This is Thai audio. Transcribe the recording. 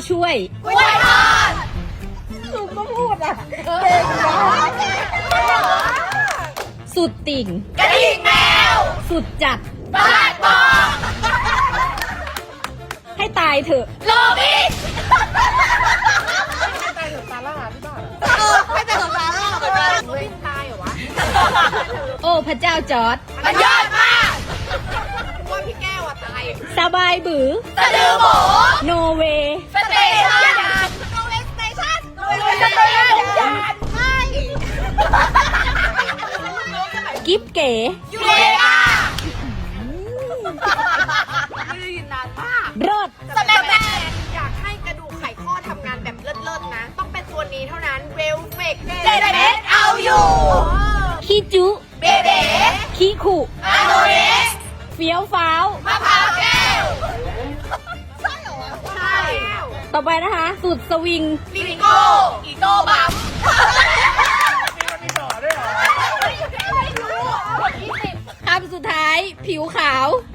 ช่วยกล้วยทอดลูกก็พูดอ่ะเก่งนะสุดติ่งกระดิ่งแมวสุดจัดบาดบองให้ตายเถอะโรบินไม่ใจกับซาร่าพี่บ้าไม่เป็นของซาร่าเหมือนกันโรบินตายเหรอวะโอ้พระเจ้าจอร์ดมันยอดมากว่าพี่แก้วอะตายสบายบือสะดือหมูโนเวสเตชันโนเวสเตชันโนเวสเตชันใช่กิฟเก๋ยูเรกาไม่ได้ยินนานมากรดสแมนอยากให้กระดูกไขข้อทำงานแบบเลิศๆนะ ต้องเป็นตัวนี้เท่านั้นเวลเฟกเจเดสเอาอยู่ขี้จุเบเบ้ขี้ขู่อาโนเรสเฟี้ยวฟ้าวมะพร้าวแก้ว ใช่เหรอ ใช่ต่อไปนะคะ สุดสวิงลิงโก้อีโต้บัมมีต่อด้วยเหรอไม่รู้20 คำสุดท้าย ผิวขาวผ